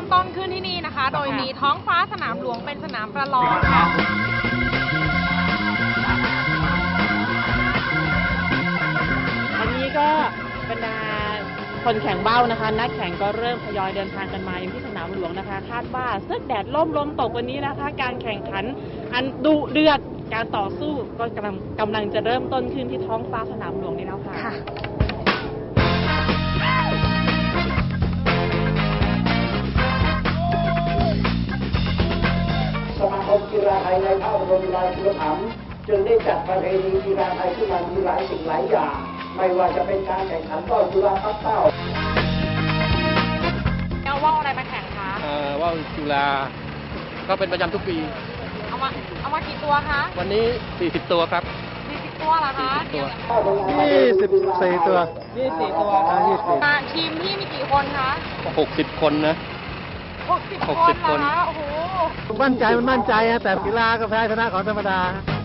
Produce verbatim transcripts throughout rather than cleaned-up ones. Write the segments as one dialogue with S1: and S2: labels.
S1: ต้นขึ้นที่นี่นะคะโดยมีท้องฟ้าสนามหลวงเป็นสนามประลองค่ะ
S2: วันนี้ก็บรรดาคนแข่งเบ้านะคะนักแข่งก็เริ่มทยอยเดินทางกันมาอยู่ที่สนามหลวงนะคะคาดว่าเสื้อแดดล่มลมตกวันนี้นะคะการแข่งขันอันดุเดือดการต่อสู้ก็กำลังกำลังจะเริ่มต้นขึ้นที่ท้องฟ้าสนามหลวงนี้แล้วค่ะ
S3: สมาคมกีฬาไทยในพระบรมราชูปถัมภ์จึงได้จัดประเพณีกีฬาไทยขึ้นมามีหลายสิ่งหลายอย่างไม่ว่าจะเป็นการแข่งขันว่าวจุฬาปักเป้า
S1: เอาว่าวอะไรมาแข่งคะ
S4: เอ่อว่าวจุฬาก็เป็นประจำทุกปี
S1: เอามาเอามากี่ตัวคะ
S4: วันนี้สี่สิบตัวครับ
S1: สี่สิบตัวเหรอคะ
S4: ตัวยี่สิบสี่ตัว
S2: ยี่สิบสี่ตัว
S1: ทีมที่มีกี่คนคะ
S4: หกสิบคนนะ
S1: หกสิบคนเหรอคะโอ้โห
S4: มั่นใจมันมั่นใจนะแต่กีฬาก็แพ้ชนะของธรรมดา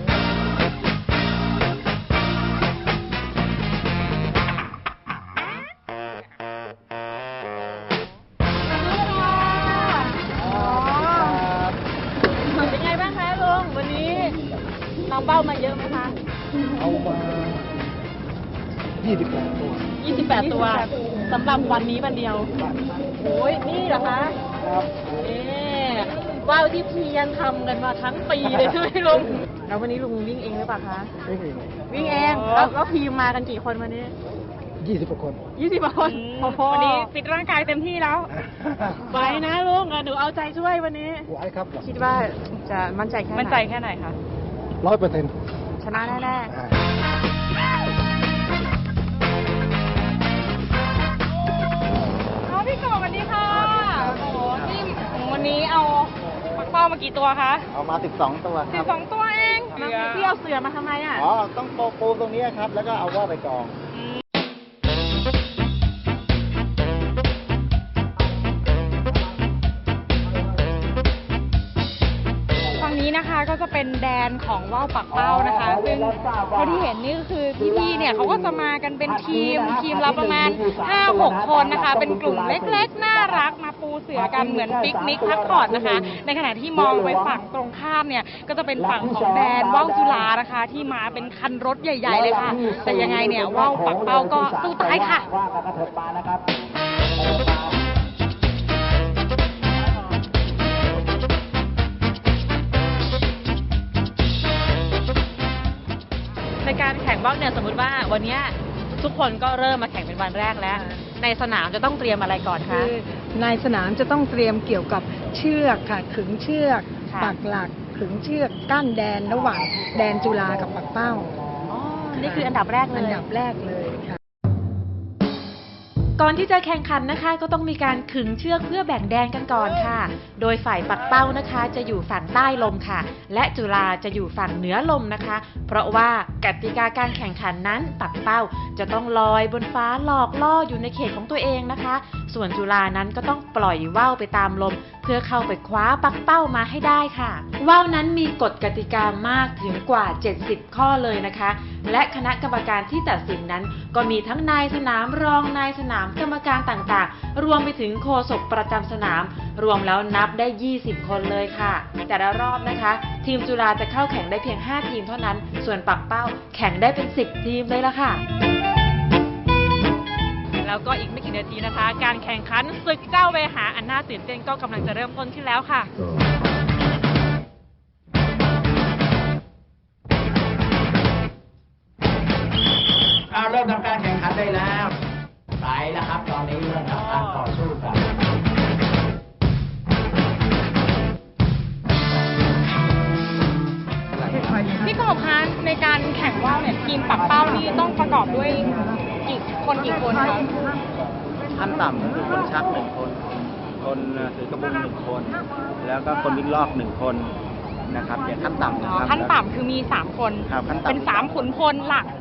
S2: เป็นไงบ้างคะลุงวันนี้น้องเบ้ามาเยอะไหมคะ
S4: เอามายี่สิบแปดตัว
S2: ยี่สิบแปดตัวสำหรับวันนี้วันเดียวโอ้ยนี่เหรอคะ
S4: ครับ
S2: เอ๊ว่าวที่เพียรทำกันมาทั้งปีเลยใช่ไหมลุงแล้ววันนี้ลุงวิ่งเองหรือเปล่าคะ
S4: วิ่งเอง
S2: วิ่งเองแล้วแล้วทีมมากันกี่คนวันนี้
S4: ยี่สิบกว่าคน
S2: ยี่สิบกว่าคน
S1: วันนี้ฟิตร่างกายเต็มที่แล้ว
S2: ไปนะลุงหนูเอาใจช่วยวันนี้
S4: ไหวครับ
S2: คิดว่าจะมั่นใจแค่ไหน
S1: มั่นใจแค่ไหนคะ
S4: ร้อยเปอร์เซ็นต์
S2: ชนะแน่ๆ
S1: พี่กบสวัสดีค่ะโอ้โหนี่วันนี้เอาปักเป้ามากี่ตัวคะ
S4: เอามาสิบสองตัว
S1: สิบสองตัวเอง
S2: พี่เอาเสือมาทำไมอ่ะ
S4: อ๋อต้องโปปูตรงนี้ครับแล้วก็เอาว่าวไปกอง
S1: นี้นะคะก็จะเป็นแดนของว่าวปักเป้านะคะซึ่งเท่าที่เห็นนี่ก็คือพี่ๆเนี่ยเขาก็จะมากันเป็นทีมทีมละประมาณ ห้าหก คนนะคะเป็นกลุ่มเล็กๆน่ารักมาปูเสือกันเหมือนปิกนิกพักผ่อนนะคะในขณะที่มองไปฝั่งตรงข้ามเนี่ยก็จะเป็นฝั่งของแดนว่าวจุฬานะคะที่มาเป็นคันรถใหญ่ๆเลยค่ะแต่ยังไงเนี่ยว่าวปักเป้าก็สู้ตายค่ะ
S2: ในการแข่งว่าวเนี่ยสมมติว่าวันนี้ทุกคนก็เริ่มมาแข่งเป็นวันแรกแล้วในสนามจะต้องเตรียมอะไรก่อนคะ
S5: ในสนามจะต้องเตรียมเกี่ยวกับเชือกค่ะขึงเชือกปักหลักขึงเชือกกั้นแดนระหว่างแดนจุฬากับปักเป้า
S2: อ๋อนี่คืออันดับแรกเลย
S5: อันดับแรกเลยค่ะ
S6: ก่อนที่จะแข่งขันนะคะก็ต้องมีการขึงเชือกเพื่อแบ่งแดนกันก่อนค่ะโดยฝ่ายปักเป้านะคะจะอยู่ฝั่งใต้ลมค่ะและจุฬาจะอยู่ฝั่งเหนือลมนะคะเพราะว่ากติกาการแข่งขันนั้นปักเป้าจะต้องลอยบนฟ้าหลอกล่ออยู่ในเขตของตัวเองนะคะส่วนจุฬานั้นก็ต้องปล่อยว่าวไปตามลมเพื่อเข้าไปคว้าปักเป้ามาให้ได้ค่ะว่าวนั้นมีกฎกติกามากถึงกว่าเจ็ดสิบข้อเลยนะคะและคณะกรรมการที่ตัดสินนั้นก็มีทั้งนายสนามรองนายสนามกรรมการต่างๆรวมไปถึงโฆษกประจำสนามรวมแล้วนับได้ยี่สิบคนเลยค่ะแต่ละรอบนะคะทีมจุฬาจะเข้าแข่งได้เพียงห้าทีมเท่านั้นส่วนปักเป้าแข่งได้เป็นสิบทีมเลยล่ะค่ะ
S1: แล้วก็อีกไม่กี่นาทีนะคะการแข่งขันศึกเจ้าเวหาอันน่าตื่นเต้นก็กำลังจะเริ่มต้นขึ้นแล้วค่ะ
S3: เอาเริ่มทำการแข่งขันได้แล้วไปแล้วครับตอนนี้เริ่มทำการต่อสู้กัน
S1: พี่กบคะในการแข่งว่าวเนี่ยทีมปักเป้านี่ต้องประกอบด้วยกี่คนกี่คนคะ
S4: ขั้นต่ำก็คือคนชักหนึ่งคนคนถือกระบุงหนึ่งคนแล้วก็คนวิ่งลอกหนึ่งคนนะครับอย่างขั้นต่ำนะครับ
S1: ขั้นต่ำคือมีสามคนเป็นสามขุนพลหลัก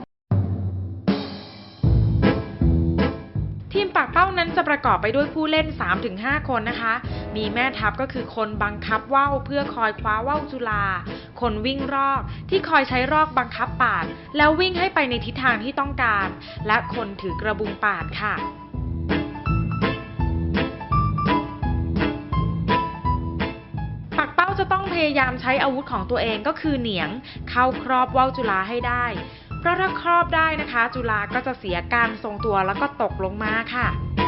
S6: ทีมปักเป้านั้นจะประกอบไปด้วยผู้เล่น สามถึงห้า คนนะคะมีแม่ทัพก็คือคนบังคับว่าวเพื่อคอยคว้าว่าวจุฬาคนวิ่งรอกที่คอยใช้รอกบังคับปาดแล้ววิ่งให้ไปในทิศทางที่ต้องการและคนถือกระบุงปาดค่ะยายามใช้อาวุธของตัวเองก็คือเหนียงเข้าครอบว่าวจุฬาให้ได้เพราะถ้าครอบได้นะคะ จุฬาก็จะเสียการทรงตัวแล้วก็ตกลงมาค่ะ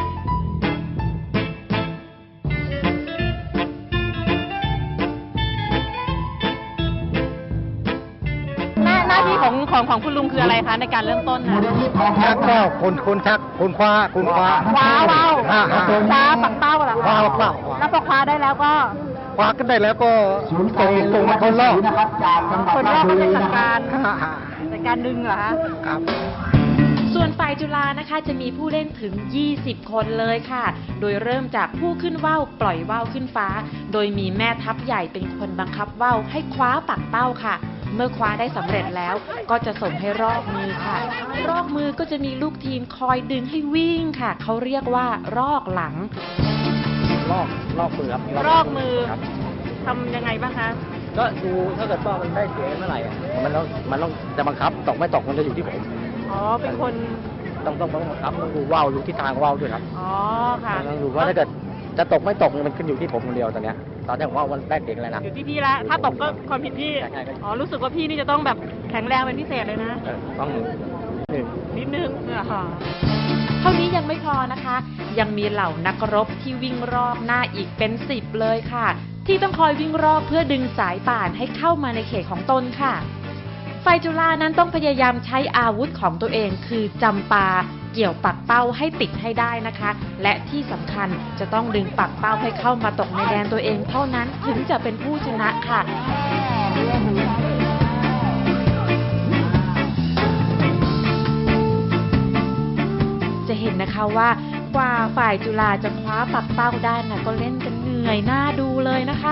S2: หน้าที่ของของของคุณลุงคืออะไรคะในการเริ่มต้นค่ะ
S7: ชักว่าวคนคนชักคนคว้าคนคว้า
S2: คว้าว่าว
S7: อ่าอ่า
S2: คว้าปักเป้าเหรอ
S7: คว้า
S2: คะ
S7: เปล่า
S2: แล้วพอคว้าได้แล้วก็
S7: คว้ากันได้แล้วก็ส่งส่งมาคนรอบ
S2: คนแรกก็จะจัดการ
S7: อ่าอ่า
S2: จัดการดึงเหรอคะ
S7: ครับ
S6: ส่วนฝ่ายจุฬานะคะจะมีผู้เล่นถึงยี่สิบคนเลยค่ะ โดยเริ่มจากผู้ขึ้นว่าวปล่อยว่าวขึ้นฟ้า โดยมีแม่ทัพใหญ่เป็นคนบังคับว่าวให้คว้าปักเป้าค่ะ เมื่อคว้าได้สำเร็จแล้วก็จะส่งให้รอกมือค่ะ รอกมือก็จะมีลูกทีมคอยดึงให้วิ่งค่ะ เขาเรียกว่ารอกหลัง
S4: ลอกลอกมือครับ
S2: รอกมือ
S4: ครับ
S2: ทำยังไงบ้างคะ
S4: ก็ดูถ้าเกิดว่ามันได้เสียงเมื่อไหร่อะมันต้องมันต้องจะบังคับตกไม่ตกมันจะอยู่ที่ผม
S2: อ๋อเป็นคน
S4: ต้องต้องต้องบังคับต้องดูว่าวดูทิศทางว่าวด้วยครับ
S2: อ๋อค่ะ
S4: ต้องดูว่าถ้าเกิดจะตกไม่ตกมันขึ้นอยู่ที่ผมคนเดียวตอนเนี้ยตอนนี้ผมว่ามันได้เสียงอะไรนะ
S2: อยู่ที่พี่ละถ้าตกก็ความผิดพี่
S4: ใช่ใช่ใช่
S2: อ๋อรู้สึกว่าพี่นี่จะต้องแบบแข็งแรงเป็นพิเศษเลยนะ
S4: เออต้องหนึ่งหนึ่ง
S2: นิดนึงอะค่ะ
S6: เท่านี้ยังไม่พอนะคะ ยังมีเหล่านักรบที่วิ่งรอบหน้าอีกเป็นสิบเลยค่ะ ที่ต้องคอยวิ่งรอบเพื่อดึงสายป่านให้เข้ามาในเขตของตนค่ะฝ่ายจุฬานั้นต้องพยายามใช้อาวุธของตัวเองคือจำปา เกี่ยวปักเป้าให้ติดให้ได้นะคะ และที่สำคัญจะต้องดึงปักเป้าให้เข้ามาตกในแดนตัวเองเท่านั้นถึงจะเป็นผู้ชนะค่ะ จะเห็นนะคะว่ากว่าฝ่ายจุฬาจะคว้าปักเป้าได้นะก็เล่นกันเหนื่อยหน้าดูเลยนะคะ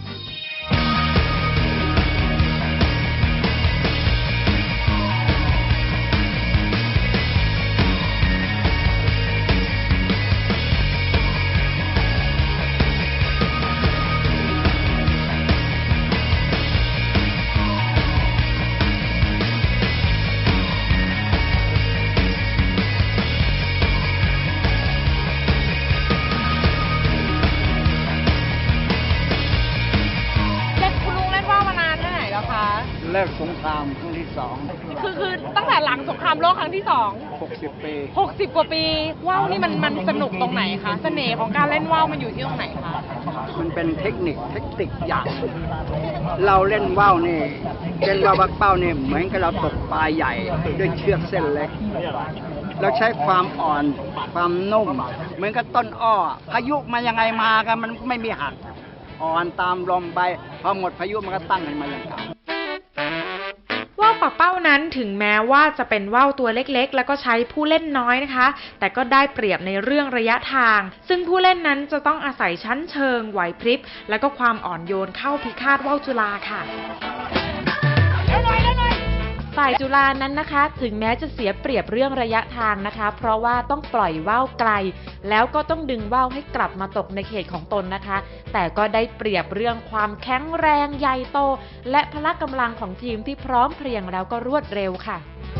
S1: เล่นคุณลุงเล่นว่าวมานานแค่ไหนแล้วคะ
S7: เลิกสงครามครั้งที่สอง
S1: คือคือตั้งแต่หลังสงครามโลกครั้งที่สอง
S7: หกสิบปี
S1: หกสิบกว่าปีว่าวนี่มันมันสนุกตรงไหนคะเสน่ห์ของการเล่นว่าวมันอยู่ที่ตรงไหนคะ
S7: มันเป็นเทคนิคเทคนิคอย่าง เราเล่นว่าวนี่เล่นว่าวบักเป้านี่เหมือนกับเราตกปลาใหญ่ด้วยเชือกเส้นเล็ก เราใช้ความอ่อนความนุ่ม เหมือนกับต้นอ้อพายุมายังไงมากันมันไม่มีหัก อ่อนตามลมไปพอหมดพายุมันก็ตั้งขึ้นมาอย่างเก่า
S6: ว่าวปักเป้านั้นถึงแม้ว่าจะเป็นว่าวตัวเล็กๆ แล้วก็ใช้ผู้เล่นน้อยนะคะ แต่ก็ได้เปรียบในเรื่องระยะทาง ซึ่งผู้เล่นนั้นจะต้องอาศัยชั้นเชิงไหวพริบและก็ความอ่อนโยนเข้าพิฆาตว่าวจุฬาค่ะ ฝ่ายจุฬานั้นนะคะ ถึงแม้จะเสียเปรียบเรื่องระยะทางนะคะ เพราะว่าต้องปล่อยว่าวไกล แล้วก็ต้องดึงว่าวให้กลับมาตกในเขตของตนนะคะ แต่ก็ได้เปรียบเรื่องความแข็งแรงใหญ่โต และพละกำลังของทีมที่พร้อมเพรียงแล้วก็รวดเร็วค่ะ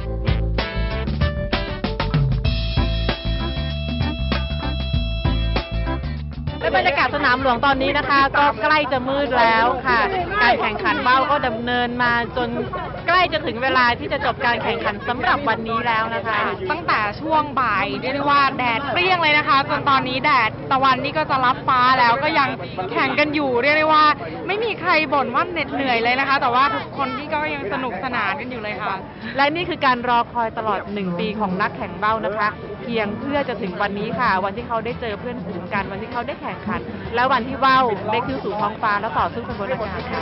S2: และบรรยากาศสนามหลวงตอนนี้นะคะ ก็ใกล้จะมืดแล้วค่ะ การแข่งขันว่าวก็ดำเนินมาจนใกล้จะถึงเวลาที่จะจบการแข่งขันสำหรับวันนี้แล้วนะคะ
S1: ตั้งแต่ช่วงบ่ายเรียกได้ว่าแดดเปรี้ยงเลยนะคะ จนตอนนี้แดดตะวันนี่ก็จะรับฟ้าแล้วก็ยังแข่งกันอยู่เรียกได้ว่าไม่มีใครบ่นว่าเหน็ดเหนื่อยเลยนะคะ แต่ว่าทุกคนที่ก็ยังสนุกสนานกันอยู่เลยค่ะ
S2: และนี่คือการรอคอยตลอดหนึ่งปีของนักแข่งว่าวนะคะ เพียงเพื่อจะถึงวันนี้ค่ะ วันที่เขาได้เจอเพื่อนฝูงกันวันที่เขาได้แข่งขัน และวันที่ว่าวได้ขึ้นสู่ท้องฟ้าแล้วต่อสู้กันบนอากาศค่ะ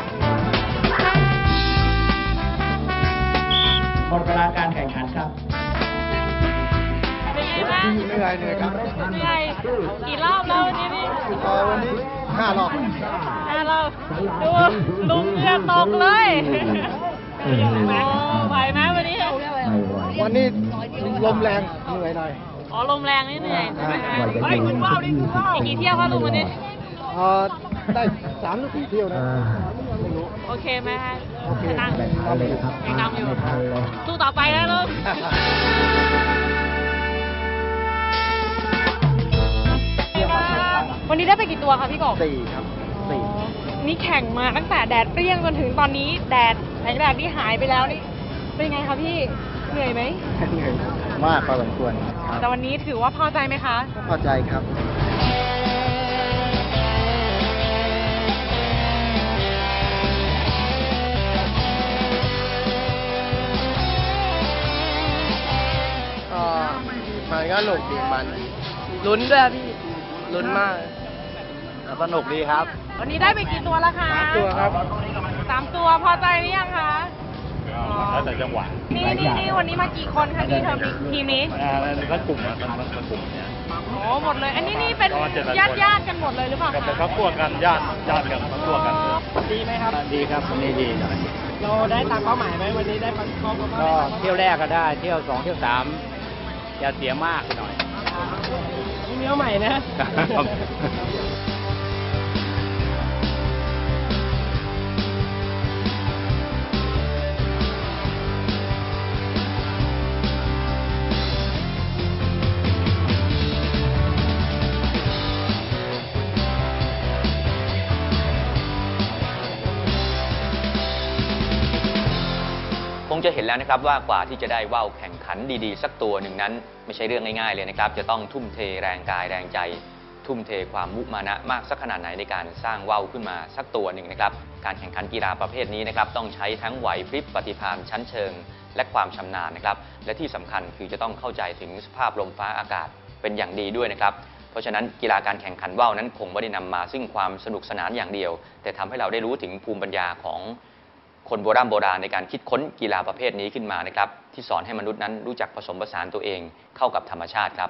S3: หมดเวลาการแข่งขันครับ
S1: เป็นไงบ้าง
S7: เหนื่อยเหนื่อยครับ
S1: เหนื่อยกี่รอบแล้ววันนี้นี่
S7: เอ่อวันนี้ห้ารอบ
S1: ห้ารอบดูลุงเหงื่อตกเลยโอ้ไหวไหมวันนี้
S7: วันนี้ลมแรงเหนื่อยหน่อย
S1: อ๋อลมแรงนี่เหนื่อยใช่ไหมคะเฮ้ยคุณว่าวนี่คุณว่าวอีกกี่เที่ยวคะลุงวันนี้
S7: เอ่อได้สามหรือสี่เที่ยวนะไม่รู้
S1: โอเคไหมคะ
S7: โอเค
S1: ชนะ
S7: เอาเลยครับ
S1: ยังนำอยู่สู้ต่อไปนะลุงวันนี้ได้ไปกี่ตัวคะพี่กบ
S7: สี่ครับสี่
S1: นี่แข่งมาตั้งแต่แดดเปรี้ยงจนถึงตอนนี้แดดแสงแดดที่หายไปแล้วนี่เป็นไงคะพี่เหนื่อยไหม
S7: เหนื่อยมากพอสมควรครับ
S1: แต่วันนี้ถือว่าพอใจไหมคะ
S7: พอใจครับ
S8: ก็มันก็หนุกดีมันลุ้นด้วยพี่ลุ้นมาก
S4: สนุกดีครับ
S1: วันนี้ได้ไปกี่ตัวแล้วคะ
S8: สามตัวครับ
S1: สามตัวพอใจหรือยังคะ
S9: แล้วแต่จังหวะ
S1: นี่นี่นี่วันนี้มากี่คนคะที่เทอมนี้ทีมนี้
S9: อ่าแล้วก็กลุ่มนะมันก็กลุ่มเนี่ย
S1: โอ้หมดเลย อันนี้นี่เป็น
S9: ประมาณเจ็ดแปดคน
S1: ญาติญาติๆกันหมดเลยหรือเปล่า
S9: กับ
S1: คะ
S9: เป็นครอบครัวกันญาติญาติกันครอบครัวกัน
S8: ดีไหมครับ
S4: ดีครับวันนี้ดีหน่อย
S8: เราได้ตามเป้าหมายไหมวันนี้ได้ปันครอบครัว
S4: ก็เที่ยวแรกก็ได้ เที่ยวสองเที่ยวสามอย่าเสียมากไปหน่อย
S8: นี่เนื้อใหม่นะ
S4: ครับ
S10: คงจะเห็นแล้วนะครับว่ากว่าที่จะได้ว่าวแข่งขันดีๆสักตัวหนึ่งนั้นไม่ใช่เรื่องง่ายๆเลยนะครับจะต้องทุ่มเทแรงกายแรงใจ ทุ่มเทความมุมานะมากสักขนาดไหนในการสร้างว่าวขึ้นมาสักตัวหนึ่งนะครับการแข่งขันกีฬาประเภทนี้นะครับต้องใช้ทั้งไหวพริบปฏิภาณชั้นเชิง และความชำนาญนะครับและที่สำคัญคือจะต้องเข้าใจถึงสภาพลมฟ้าอากาศเป็นอย่างดีด้วยนะครับเพราะฉะนั้นกีฬาการแข่งขันว่าวนั้นคงไม่ได้นำมาซึ่งความสนุกสนานอย่างเดียว แต่ทำให้เราได้รู้ถึงภูมิปัญญาของคนโบราณโบราณในการคิดค้นกีฬาประเภทนี้ขึ้นมานะครับที่สอนให้มนุษย์นั้นรู้จักผสมผสานตัวเองเข้ากับธรรมชาติครับ